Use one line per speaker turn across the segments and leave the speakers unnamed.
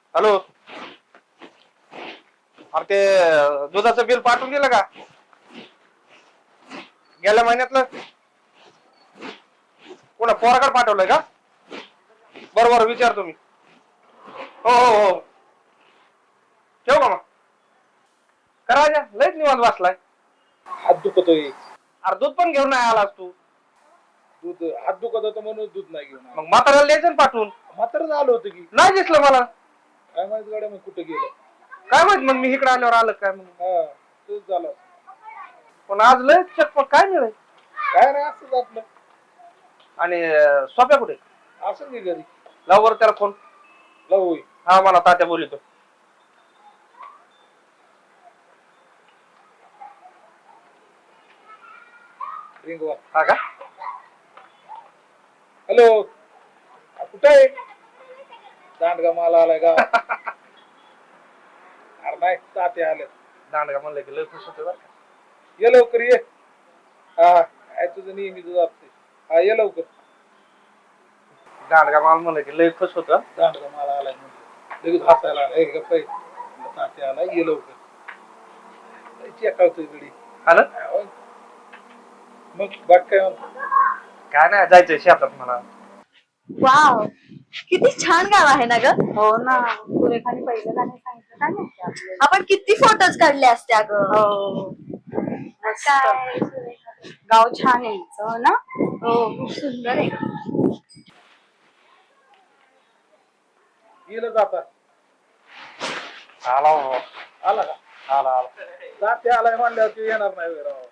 Hello. अरे ते दुधाचं बिल पाठवून दिलं का गेल्या महिन्यातलं? कोणा पोराकडे पाठवलंय का? बरोबर विचारतो मी. हो हो हो ठेव का मग? करा लयच निवांत बसलाय.
हात दुखतोय.
अरे दूध पण घेऊन नाही आलास तू.
दूध हात दुखत होतं म्हणून दूध नाही घेऊन
मग म्हाताऱ्याला द्यायचं ना पाठवून.
म्हातारं आलं होतं की
नाही दिसलं मला.
काय माहित गाड्या मग कुठं गेलं
काय माहित मग मी इकडे आल्यावर आलं काय म्हणून.
हा तेच झालं.
पण आज लय चटपट काय मिळेल.
काय नाही असंच आपलं.
आणि सोप्या कुठे?
असं की घरी
लाव त्याला फोन.
लावू
हा मला तात्या बोलितो.
रिंगवा.
हा का?
हॅलो कुठं आहे? दांडगा माला आलाय का? अरे नाही ताते आले.
दांडगा म्हणलं की लय खुश होते बरं का.
ये लवकर ये. हा काय तुझं नेहमी तुझं असते. हा ये लवकर.
दांडगा माल म्हणलं की लय खुश होतं.
दांडगा माला आलाय म्हणजे लगेच हसायला आलाय. गप्प आहे. ताते आलाय ये लवकर. चेकावतोय गडी.
आलं
मग बाग काय म्हणतो?
काय नाही जायचंय शेतात मला.
वाव किती छान गाव आहे ना ग. हो ना सुरेखाने पहिलं गाणं सांगितलं काय माहिती आपण किती फोटोज काढले असते अगं. हो काय गाव छान आहे हो ना. हो खूप सुंदर आहे.
गेलं जाता.
आला हो.
आला का?
आला आला.
ताते आलाय म्हणल्यावर तू येणार नाही होय राव.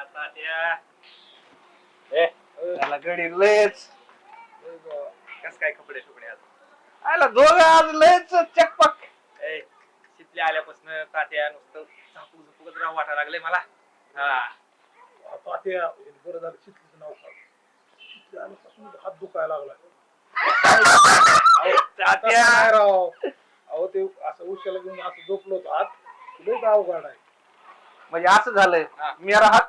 त्याला गडी लयच.
कस काय कपडे टुकडे आज
आला दोघं आज लयच चकपक.
शितल्या आल्यापासून तात्या नुसतं झापू झुपूकच राहू वाटायला लागले मला.
ताते बरं झालं शितलीचं नाव काढ. शितली आल्यापासून हात दुखायला लागला.
तात्या
नाही राव. अहो ते असं उशाला घेऊन असं झोपलो होतो हात. लयच अवघड आहे.
म्हणजे असं झालंय मेरा हात.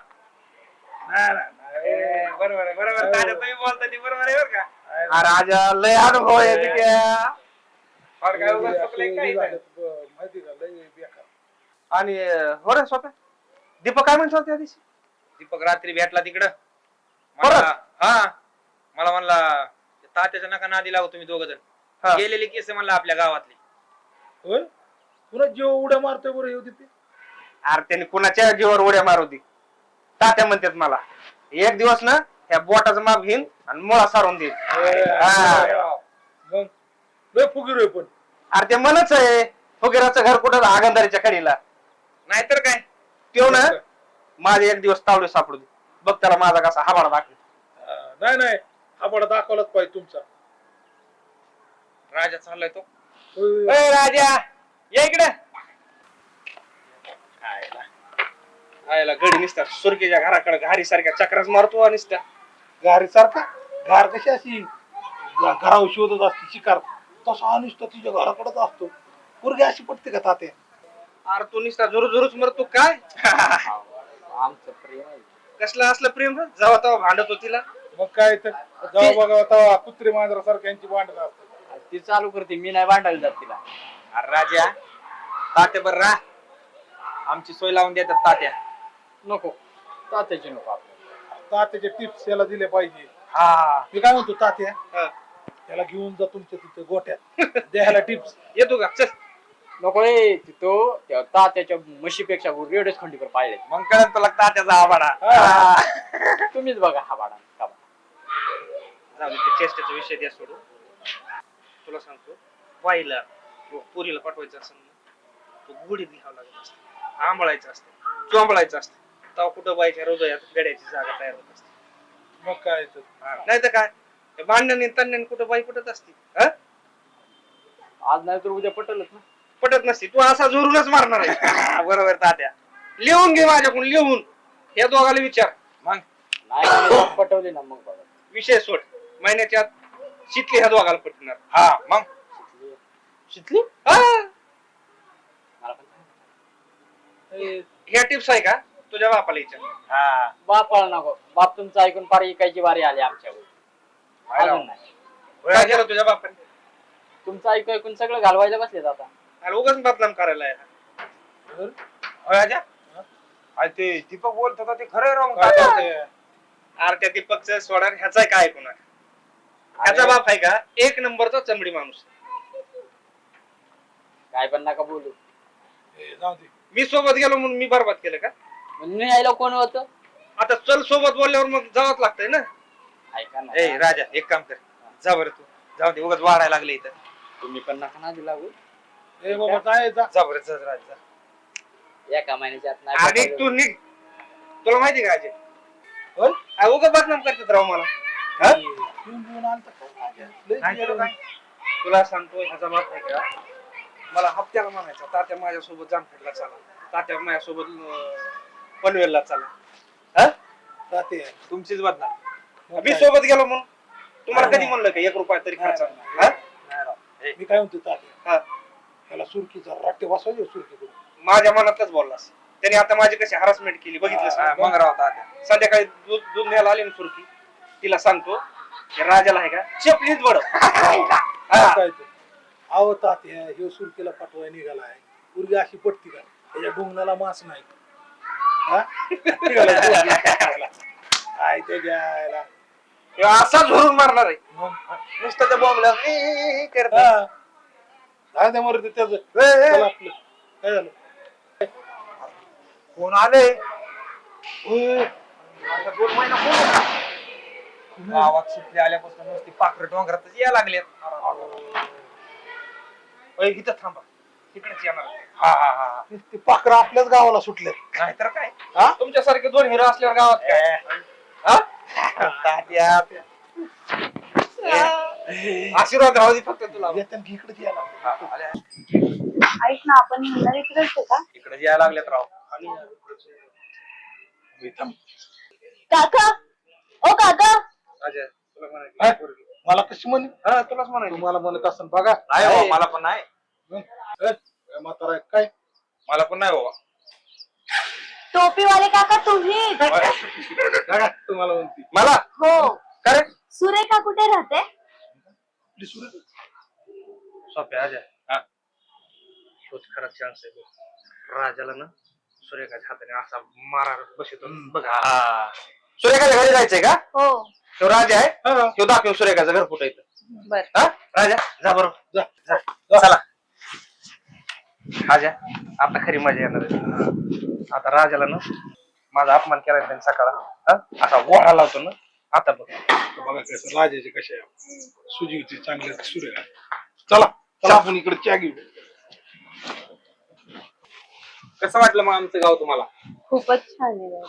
नाही
बरोबर आहे बरोबर. तात्या तुम्ही बोलता ती बरोबर आहे बरं का.
राजा लय अनुभव आहे तिथे.
फार काय उगाच चुकलंय काही नाही.
माहिती का लय बेकार.
आणि हो रे स्वतः दीपक काय म्हणतो त्या दिवशी?
दीपक रात्री भेटला तिकडं.
परत?
हा मला म्हणला तात्याच्या नका नादी लागू तुम्ही दोघ
हा.
जण. गेलेली केस म्हणला आपल्या गावातली.
होय पुन्हा जीव उड्या मारतोय बरं येऊ तिथे.
अरे त्यांनी कुणाच्या जीवावर उड्या मारवती. तात्या म्हणतात मला एक दिवस ना ह्या बोटाचं माप घेईन आणि मुळा सारून देईन.
मग लय फुगीर आहे पण.
अरे ते मनच आहे फुगेराचं घर कुठं आगंधारीच्या कडीला.
नाहीतर काय.
त्यो ना माझे एक दिवस तावडे सापडू दे. बघ त्याला माझा कसा हाबाडा दाखल.
नाही हाबाडा दाखवलाच पाहिजे तुमचा.
राजा चाललाय तो.
ए राजा ये इकडे. आयला गडी निसता सुरकेच्या घराकडे घारी सारख्या चक्राच मारतो आणि निसता.
घारी सारखा घार कशी अशी घरावर शोधत असते शिकार तसा अनिष्ट तिच्या घराकडेच असतो. पोरगी अशी पटते का तात्या?
अरे तू निसता झुरूच मरतो काय?
आमचं प्रेम आहे.
कसलं असलं प्रेम जेव्हा तेव्हा भांडत होतीला.
मग काय तर जेव्हा बघा तेव्हा कुत्री मांजरा सारख्यांची भांडण असतात.
ती चालू करते मी नाही भांडायला जात तिला. अरे राजा तात्या बर रा आमची सोय लावून देतात तात्या.
नको तात्याची नको आपल्याला.
तात्याचे टिप्स याला दिले पाहिजे.
हा
मी काय म्हणतो तात्या
हा.
त्याला घेऊन जा तुमच्या तिथे गोट्यात द्यायला टिप्स.
येतो का चल.
नको रे तिथो त्या तात्याच्या म्हशीपेक्षा रेडच खंडीकर पाळले.
मग कळत तुला तात्याचा आवाडा.
तुम्हीच बघा हा बाडा
जाऊ दे, ते चेष्टेचा विषय द्या सोडून. तुला सांगतो बाईला किंवा पुरीला पाठवायचं असेल ना तो गुढीत घ्यावं लागत असतं. आंबळायचं असतं चोंबळायचं असतं. तेव्हा कुठं बाईच्या हृदयात गड्याची जागा तयार होत असते.
मग काय तर
नाही तर काय भांडण तंडण कुठं बाई कुठंच असते.
आज नाही तर उद्या पटलच ना.
पटत नसते. तू असा जोरूनच मारणार आहे. बरोबर तात्या. लिहून घे माझ्याकडून लिहून. या दोघाला विचार. मग
नाही पटवली ना मग बघा.
विषय सोड. महिन्याच्या आत शितली ह्या दोघाला पटणार.
हा मग
शितली
हा.
मला पण
ह्या टिप्स आहे का तुझ्या बापाला विचार.
हा
बापाला नको. बाप तुमचं ऐकून पार इकायची वारी आली आमच्यावर. अजून नाही.
काय केलं तुझ्या बापाने?
तुमचं ऐकू ऐकून सगळं घालवायला बसलेत आता.
अरे उगाच बदनाम करायला आहे.
राजा अरे ते दीपक बोलत होता ते खरं राव
काय करते?
अरे त्या दीपकचं सोडा ह्याचा काय ऐकून ह्याचा बाप आहे का एक नंबरचा चमडी माणूस.
काय पण नका बोलू.
जाऊ दे.
मी सोबत गेलो म्हणून मी बरबाद केलं का?
म्हणून यायला कोण होतं?
आता चल सोबत बोलल्यावर मग जावंच लागतंय ना.
ऐका ना.
ए राजा एक काम कर जा बरं तू जाऊ दे उगाच वाढायला लागले इथं.
तुम्ही पण नका ना दिला
ए बाबा काय जा.
जा बरं जा राजा जा.
एका महिन्याच्या आत
आणि
नाही
तू निघ. तुला माहिती का अजय
होय?
उगा बदनाम करतात राव मला. हा?
येऊन येऊन आलता काय माझ्या? लय
नाही तर
गेलं.
काय? तुला सांगतो ह्याचा बाप आहे का मला हप्त्याला म्हणायचा तात्या माझ्यासोबत जामखेडला चला, तात्या माझ्यासोबत पनवेलला चला. हा?
जाते.
तुमचीच बदनाम.
मग
मी
काय?
सोबत गेलो म्हणून तुम्हाला
नाही,
कधी
नाही.
म्हणलं का 1 रुपया तरी खर्च?
नाही,
हा?
नाही राव. मी काय म्हणतो तात्या
हा.
त्याला सुरकीचा रट्टे वाजवायचे सुरकी
माझ्या मनातच बोललास. त्याने आता माझी कशी हरासमेंट केली बघितलंस
हा,
ना?
मग राव तात्या
संध्याकाळी दूध दूध न्यायला आली ना सुरकी, तिला सांगतो की राजाला आहे का चपलीच बड.
काय ते? अहो तात्या ह्यो सुरकीला पाठवाय निघालाय. पूर्वी अशी पटती का त्याच्या डोंगणाला मास नाही. हा? निघाला सुरकी पाठवायला. काय ते घ्यायला
असा झोरून मारणार आहे
मग
नुसतं त्या बॉम्बला करत.
हा. काय ते मरते त्याचं चला आपलं. काय झालं?
कोण आले
ओय,
आता 2 महिना कोण होता?
गावात सुटले आल्यापासून नुसती पाखरं डोंगरातच यायला लागलेत.
ओय, इथं थांबा तिकडेच येणार.
हा हा हा
ते पाखरं आपल्याच गावाला सुटले.
नाहीतर काय
हा?
तुमच्यासारखे 2 हिरो असल्यावर गावात काय? हा?
तात्या
आशीर्वाद राहू दे फक्त तुला.
येतात की इकडे यायला.
हा, आले.
ऐक ना आपण म्हणणार इकडेच आहे का?
इकडे यायला लागलेत राव.
मी थांब.
काका ओ काका
राजा, तुला
हा?
म्हणायचं पोरगी.
मला कशी म्हणे
हा, तुलाच म्हणायचं.
तुम्हाला म्हणत असं बघा.
नाही बाबा मला पण नाही.
म्हातारा आहे काय
मला पण नाही बाबा.
टोपीवाले काका तुम्ही?
बघा तुम्हाला म्हणते
मला
हो.
काय
सुरेखा कुठे राहते?
आपली सुरत
सोप्या राजा. हा, तोच खरा चान्स आहे बघ. राजाला ना सूर्यकाच्या हाताने असा मारा बसतो बघा. सूर्यकाच्या घरी जायचंय का?
हो.
तो राजा आहे तो दाखव सूर्यकाचं घर कुठे येतं.
बर.
हा राजा जा बरोबर.
जा.
जा चला. राजा आता खरी मजा येणार आहे. आता राजाला ना माझा अपमान केला त्यांनी सकाळ असा ओढा लावतो ना. आता बघ
बघा कसं राजाचे कसे आहे. सुजीवचे चांगले सूर्य चला चला आपण इकडे चहा घेऊ.
कसं वाटलं मग आमचं गाव तुम्हाला?
खूपच छान आहे.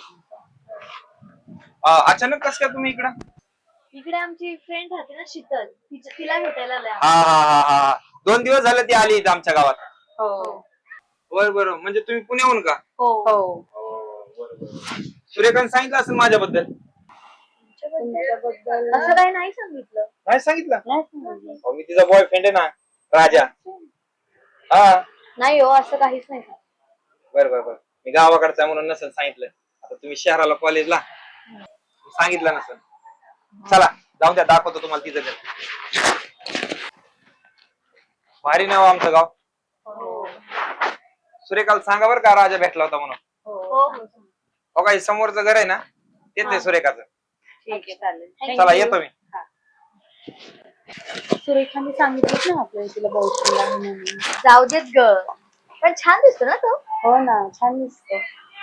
अचानक कसं काय तुम्ही इकडं?
इकडे आमची फ्रेंड राहते ना शीतल, तिला भेटायला आलोय
हा
आम्ही.
हा हा हा 2 दिवस झाले ती आली इथं आमच्या गावात.
हो.
बरं बरं म्हणजे तुम्ही पुण्याहून का?
हो. हो.
सूर्यकांत सांगितलं असेल माझ्याबद्दल.
तुमच्याबद्दल असं काही नाही सांगितलं.
नाही सांगितलं?
नाही सांगितलं.
अहो, मी तिचा बॉयफ्रेंड आहे ना राजा. हा
नाही हो असं काहीच नाही सांगितलं.
बरं बरं बरं मी गावाकडचा म्हणून नसेल सांगितलं. आता तुम्ही शहराला कॉलेजला सांगितलं नसेल. चला जाऊन द्या दाखवतो तुम्हाला तिचं घर. भारी नाव आमचं गाव.
हो.
सूर्यकांत सांगा बरं का राजा भेटला होता म्हणून.
हो.
हो काही समोरचं घर आहे ना तेच आहे सूर्यकाचं.
ठीक आहे चालेल.
चला येतो मी.
सुरेखाने सांगितलं ना आपल्याला तिला बॉयफ्रेंड आहे म्हणून. जाऊ देत ग. पण छान दिसतो ना तो. हो ना छान दिसतो.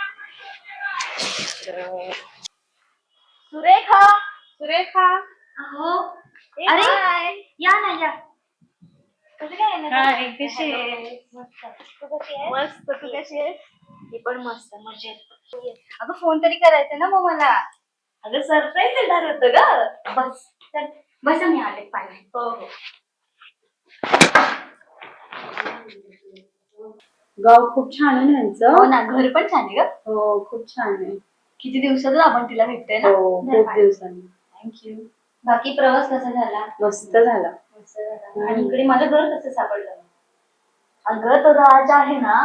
सुरेखा सुरेखा हो. अरे या ना या. कसं काय कशी आहे? मस्त. तू कशी आहेस? मी पण मस्त मजेत. अगं फोन तरी करायचा ना मग मला. अगं सरप्राईज देणार होतं ग. बस चल बस मी आले पाहिजे. हो हो.
गाव खूप छान आहे यांचं.
हो ना घर पण छान आहे ग.
हो खूप छान आहे.
किती दिवसातून आपण तिला भेटतोय ना.
हो खूप दिवसांनी.
थँक्यू. बाकी प्रवास कसा झाला?
मस्त झाला.
मस्त झाला. आणि इकडे माझं घर कसं सापडलं? अगं तो राज आहे ना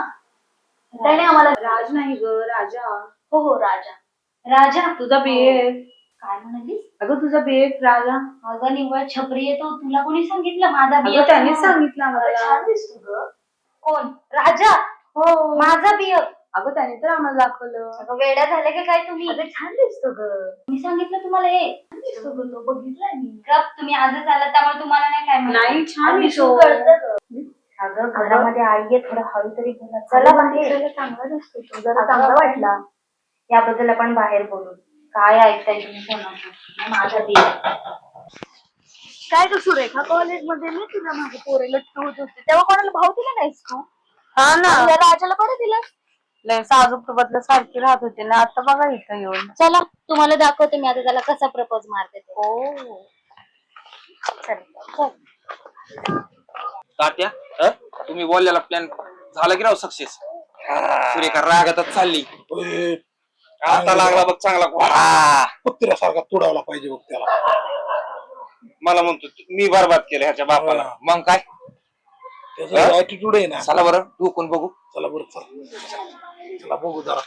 त्याने आम्हाला.
राज नाही ग राजा.
हो हो राजा. राजा
तुझा BF.
काय म्हणालीस?
अगं तुझा बेट राजा.
अगं निव्वळ छपरी येतो, तुला कोणी सांगितलं माझा
अगं
बियब?
त्यांनीच सांगितलं
अगं,
आम्हाला.
छान दिसतो ग. कोण? राजा?
हो.
माझा बियब?
अगं त्याने तर आम्हाला दाखवलं.
अगं वेड्या झाले का काय तुम्ही?
अगं छान दिसतो ग.
मी सांगितलं तुम्हाला हे छान दिसतो ग, तो बघितलाय मी. गप, तुम्ही आजच आलात त्यामुळे तुम्हाला नाही काय माहिती.
नाही, छान
आम्ही
दिसतो.
कळतं ग. अगं घरामध्ये आई आहे, थोडं हळू तरी बोला. चला बाहेर.
चांगला दिसतो तो. जरा
अगं,
चांगला वाटला.
याबद्दल आपण बाहेर बोलू. काय ऐकताय तुम्ही कोणाचं? माझा बियब. काय ग सुरेखा, कॉलेजमध्ये मी तुला माझे पोरे लटक होत होते तेव्हा कोणाला भाव दिला नाहीस तू?
हा ना.
आणि या राजाला कोणी दिलं?
लय साजूक बदल सारखी राहत होते ना, आता बघा इथं येऊन.
चला तुम्हाला दाखवते मी आता त्याला कसा प्रपोज मारते ते.
हो.
चल.
तात्या तुम्ही बोललेला प्लॅन झाला की राव सक्सेस? सुरेखा रागातच चालली.
ओय,
आता लागला बघ चांगला.
कुत्र्यासारखा तुडावला पाहिजे बघ त्याला.
मला म्हणतो मी बरबाद केलं ह्याच्या बापाला. मग काय
त्याचा ऍटिट्यूड आहे ना.
चला बरं डोकून बघू.
चला बरं चला बघू जरा.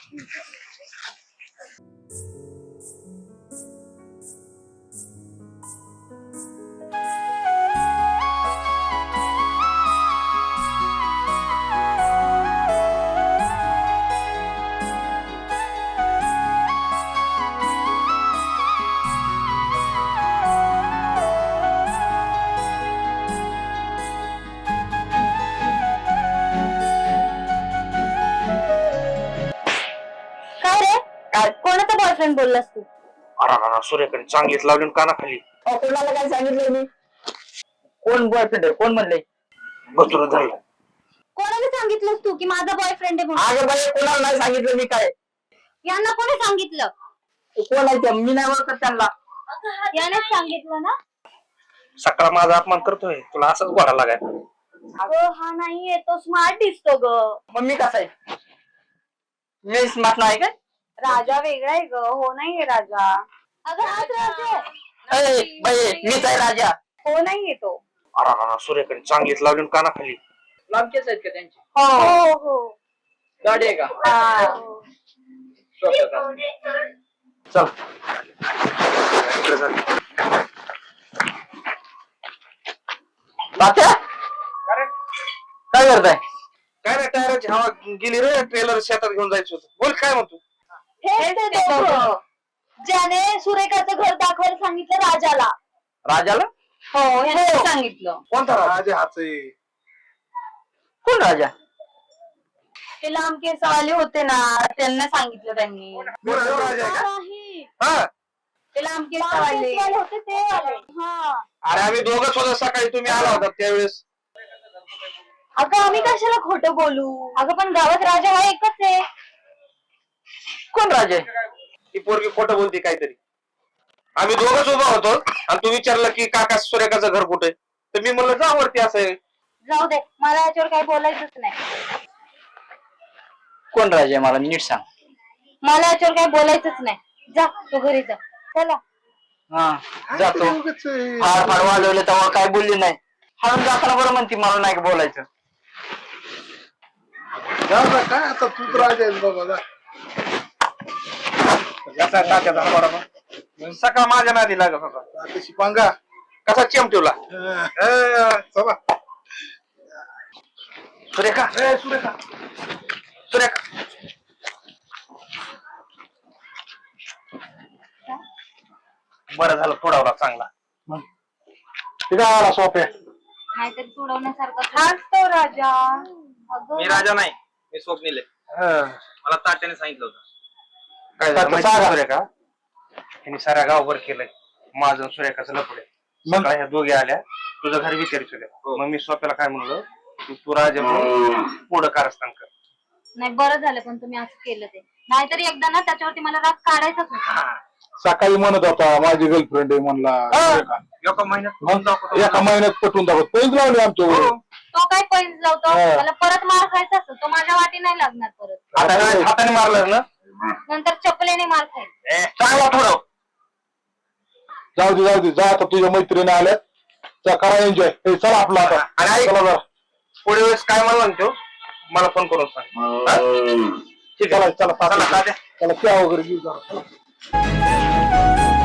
काय रे? काय कोणाचा बॉयफ्रेंड बोललास तू?
अरे सूर्याकडे चांगलीच लावली कानाखाली.
कोणाला काय सांगितलं मी? कोण बॉयफ्रेंड कोण म्हणले?
गचुर झालं.
कोणाला सांगितलंस तू की माझा बॉयफ्रेंड आहे म्हणून?
अगं बाई कोणाला नाही सांगितलं मी काय.
यांना कोणी सांगितलं?
कोण आहे ते? मी नाही ओळखत त्यांना.
यानेच सांगितलं ना?
सकाळ माझा अपमान करतोय, तुला असंच गोडा लागाय.
अगं हा नाहीये, तो स्मार्ट दिसतो ग.
मग मी कसा आहे? मी स्मार्ट नाही काय?
राजा वेगळा आहे ग. हो नाहीये राजा. अगं हाच राजा आहे.
बाई मीच आहे राजा.
हो नाहीये तो.
अरे सूर्याकडे चांगलीच लावली कानाखाली.
लांबचेच आहेत का त्यांचे?
हो हो.
गाडी आहे का?
हा.
चल इकडे चल.
तात्या काय करताय?
काय रे टायराची हवा गेली रे, ट्रेलर शेतात घेऊन जायचं होतं. बोल काय म्हणतो?
हेच ते दोघं ज्याने सुरेखाचं घर दाखवायला सांगितलं राजाला.
राजाला?
हो हेच सांगितलं.
कोणता राजा?
राजा हाच आहे.
कोण राजा?
ते लांब केसवाले होते ना, त्यांना सांगितलं त्यांनी.
राजा आहे का?
नाही.
हा.
ते लांब केसवाले होते ते आले. हा.
अरे आम्ही दोघंच होतो सकाळी, तुम्ही आला होता त्यावेळेस.
अगं आम्ही कशाला खोटं बोलू? अगं पण गावात राजा हा एकच आहे.
कोण राजा आहे?
ती पोरगी खोटं बोलते काहीतरी. आम्ही दोघंच उभा होतो आणि तू विचारलं की काका सूर्यकाचं घर कुठे, तर मी म्हणलं जा वरती. असं आहे.
जाऊ दे, मला याच्यावर काही बोलायचंच नाही.
कोण राजा आहे मला नीट सांग.
मला याच्यावर काही बोलायचंच नाही. जा तू घरी जा. चला.
हा जातो.
उगाच आहे.
फार फार वाजवलं तेव्हा काय बोलली नाही. हळून जाताना बरं म्हणते मला नाही बोलायचं.
जा जा, काय आता तूच राजा आहेस बाबा जा.
याचा तात्याचा बरोबर सकाळ माझ्या नादी लागत होता.
तशी पांगा.
कसा चिमटिवला.
चला.
सुरेखा
सुरेखा
सुरेखा बरं झालं थोडावला चांगला.
आला सोप्या.
नाहीतरी सोडवण्यासारखा हाच तो राजा. अगं
मी राजा नाही, मी स्वप्नील आहे. मला तात्याने सांगितलं होतं.
काय झालं माहिती आहे सुरेखा? ह्यांनी साऱ्या गावभर केलंय माझं आणि सुरेखाचं लपडे. मग ह्या दोघे आल्या, तुझं घर विचारित होत्या. मग मी स्वतःला काय म्हणलं, तू राजा म्हणून पुढं कारस्थान कर.
नाही बरं झालं पण तुम्ही असं केलं ते. नाहीतरी एकदा ना त्याच्यावरती मला राग काढायचाच होता.
सकाळी म्हणत होता माझी गर्लफ्रेंड आहे म्हणला.
एका महिन्यात
मग एका महिन्यात पटवून दाखवत पैज लावले आमच्यावर.
तो काय पैसे लावतो, मला परत मार खायचा असतो. तो माझ्या वाटी नाही लागणार परत.
आता काय हाताने मारलं ना,
नंतर चपलेने मार खायचा.
चांगला थोडं.
जाऊ दे जा आता तुझ्या मैत्रिणी आल्यात. जा करा एन्जॉय. चला आपला आता.
आणि
चला जरा.
पुढे वेळेस काय म्हणतो मला फोन करून सांग.
ठीक आहे चला
चला तात्या.
चला त्या वगैरे घेऊ जरा.